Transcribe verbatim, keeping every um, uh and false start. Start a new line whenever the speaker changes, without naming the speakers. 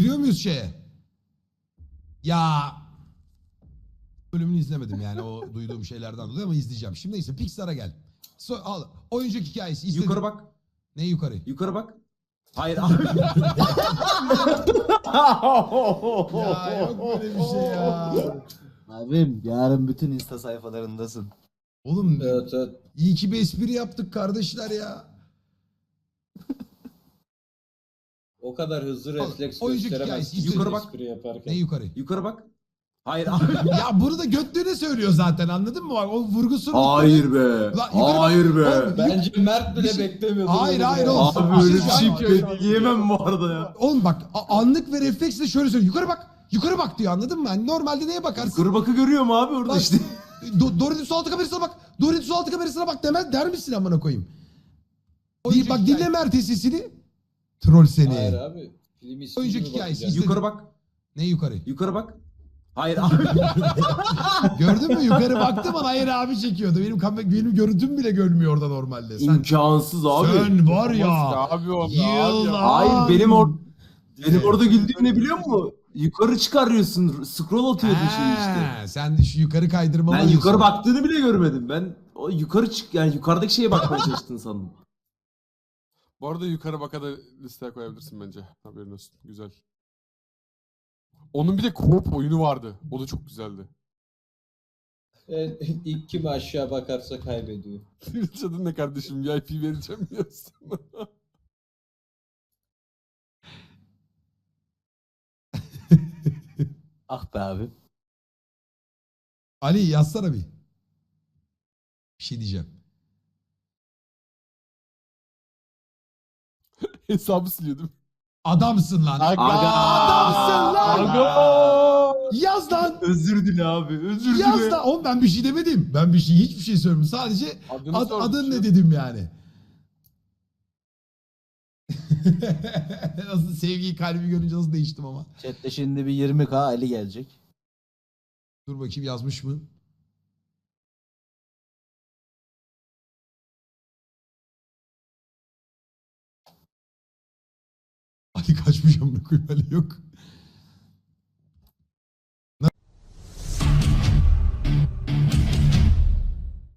Giriyor muyuz şeye? Ya bölümünü izlemedim yani o duyduğum şeylerden dolayı ama izleyeceğim. Şimdi neyse Pixar'a gel. So, al. Oyuncak hikayesi izledim.
Yukarı bak.
Ne yukarı?
Yukarı bak. Hayır abi.
Ya yok böyle bir şey ya.
Abim yarın bütün Insta sayfalarındasın.
Oğlum
Evet evet.
iyi ki bir espri yaptık kardeşler ya.
O kadar hızlı
Oğlum,
refleks
oyuncak
gösteremezsin.
hikayesi
Yukarı bak.
Espri yaparken.
Ne yukarı?
Yukarı bak. Hayır abi.
Ya bunu da götlüğüne söylüyor zaten anladın mı? O vurgusunu...
Hayır be.
Lan yukarı bak.
Hayır be.
Oğlum,
Bence Mert
Bir
bile
şey-
beklemiyordu.
Hayır,
bunu
hayır
ya.
oğlum.
Abi öyle bir şey
Abi,
ben yiyemem bu arada ya.
Oğlum bak a- anlık ve refleksle şöyle söylüyor. Yukarı bak. Yukarı bak diyor anladın mı? Hani normalde neye bakarsın?
Yukarı bakı görüyor mu abi orada
Bak,
işte.
Do Dorit'in su altı kamerasına bak. Dorit'in su altı kamerasına bak demez der misin amına koyayım? Di- bak dinle Mert sesini. Troll seni.
Hayır abi. Film ismi
Oyuncak
gibi
hikayesi.
bakacağız.
İzledim.
Yukarı bak.
Ne yukarı?
Yukarı bak. Hayır abi.
Gördün mü? Yukarı baktım ama hayır abi çekiyordu. Benim kam- benim görüntüm bile görmüyor orada normalde. Sen,
İmkansız abi.
sen var ya.
Abi o
Yılan.
Hayır benim or benim orada güldüğüm ne biliyor musun? Yukarı çıkarıyorsun. Scroll atıyordu şey işte.
Ha, sen de şu yukarı kaydırmalı.
Ben yukarı baktığını bile görmedim. Ben o yukarı çık yani yukarıdaki şeye bakmaya çalıştın sandım.
Bu arada yukarı baka da listeye koyabilirsin bence. Haberin olsun. Güzel. Onun bir de co-op oyunu vardı. O da çok güzeldi.
Evet, ilk kim aşağı bakarsa kaybediyor.
Twitch adın ne kardeşim? V I P vereceğim ya sana.
Ah be abi.
Ali yazsana bir. Bir şey diyeceğim.
Hesabı siliyordum.
Adamsın lan.
Aga.
Adamsın lan.
Aga.
Yaz lan.
Özür dile abi. Özür
Yaz
dile.
lan. Oğlum ben bir şey demedim. Ben bir şey hiçbir şey söylemedim. Sadece
Adını
ad-
sordum
adın
şu
ne
an.
dedim yani. Nasıl sevgiyi kalbi görünce nasıl değiştim ama.
Chat'te şimdi bir yirmi K Ali gelecek.
Dur bakayım yazmış mı? Ali kaçmış amına koyayım Ali yok.